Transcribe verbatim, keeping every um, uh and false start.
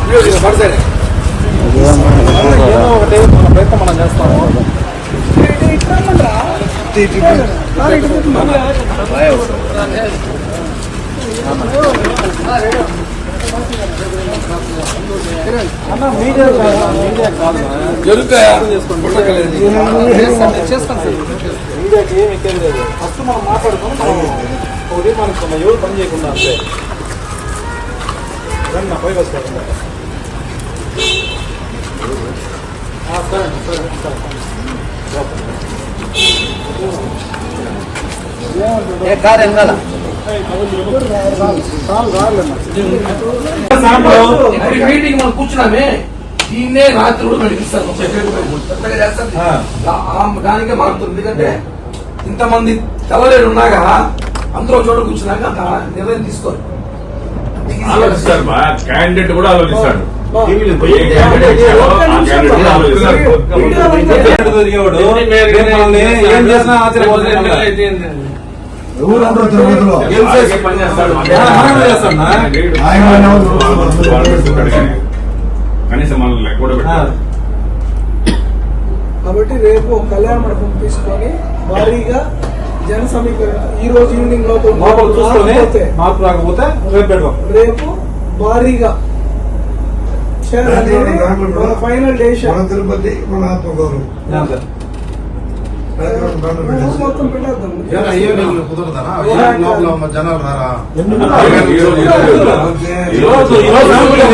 ఏదో ఒకటి మన ప్రయత్నం మనం చేస్తాము. అన్న మీడియా మీడియా కాదు జరుగుతాయా చేస్తాను సార్. మీడియాకి ఏమి ఎక్కేది లేదు. ఫస్ట్ మనం మాట్లాడుకుని మనం ఒక తీర్మానిస్తున్నాం ఎవరు పని చేయకుండా అంతే. రండి నా పై వస్తాను. సరే సరే కాదు ఎంగాల మీటింగ్ మనం కూర్చున్నామే దీన్నే రాత్రి కూడా నడిపిస్తాను దానికే మారుతుంది. ఎందుకంటే ఇంతమంది తెల్లలేడు ఉన్నాగా అందరూ చోట కూర్చున్నాక అంత నిర్ణయం తీసుకోరు. ఆలోచిస్తారు క్యాండిడేట్ కూడా ఆలోచిస్తాడు. ఏం చేసినా ఆశ్చర్యపోతుంది. కనీసం మనల్ని కూడా పెట్టారు. కాబట్టి రేపు కళ్యాణ మండపం తీసుకొని భారీగా జన సమీకరణ ఈ రోజు ఈవినింగ్ లోపల చూసుకొని మార్పు రాకపోతే రేపు పెడదాం. రేపు భారీగా మన ఫైనల్ డేషన్ మన తిరుపతి మన ఆత్మగౌరవం మొత్తం పెట్టేద్దాం. జనాలు రారా ఈరోజు